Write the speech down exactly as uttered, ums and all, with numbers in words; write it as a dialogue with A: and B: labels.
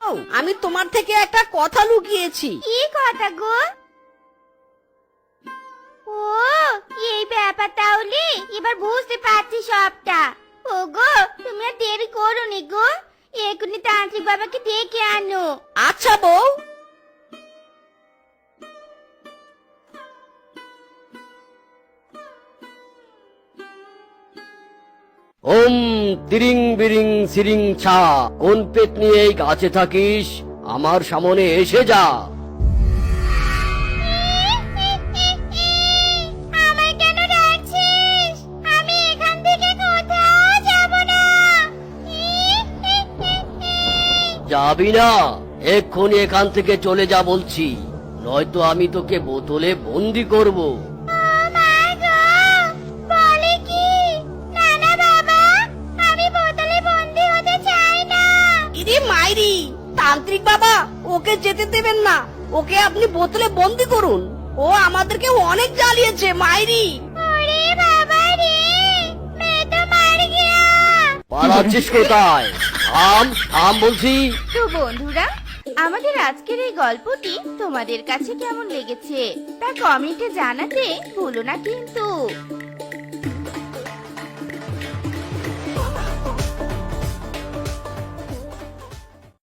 A: আমি তোমার থেকে একটা কথা লুকিয়েছি।
B: কি কথা গো? ও, এই ব্যাপার তাহলে এবার বুঝতে পারছি সবটা। ও গো, তুমি আর দেরি করোনি গো, এখনই তান্ত্রিক বাবাকে ডেকে আনো।
A: আচ্ছা বউ।
C: ওম তিরিং বিরিং সিরিং ছা, কোন পেট নিয়ে এই গাছে থাকিস, আমার সামনে এসে যা।
B: আমায় কেন ডাকছিস? আমি এখান থেকে কোথাও যাব না।
C: যাবি না? এক্ষুনি এখান থেকে চলে যা বলছি, নয়তো আমি তোকে বোতলে বন্দি করব।
B: ও মা গো, বলে কি? না না বাবা, আমি বোতলে বন্দি হতে চাই না।
A: ইরে মাইরি, তান্ত্রিক বাবা ওকে যেতে দেবেন না, ওকে আপনি বোতলে বন্দি করুন। ও আমাদেরকে অনেক জ্বালিয়েছে মাইরি।
B: ওরে বাবা রে, মে তো মার গিয়া।
C: পালাচ্ছিস কোথায়? থাম থাম বলছি।
B: তো বন্ধুরা, আমাদের আজকের এই গল্পটি তোমাদের কাছে কেমন লেগেছে তা কমেন্টে জানাতে ভুলো না কিন্তু।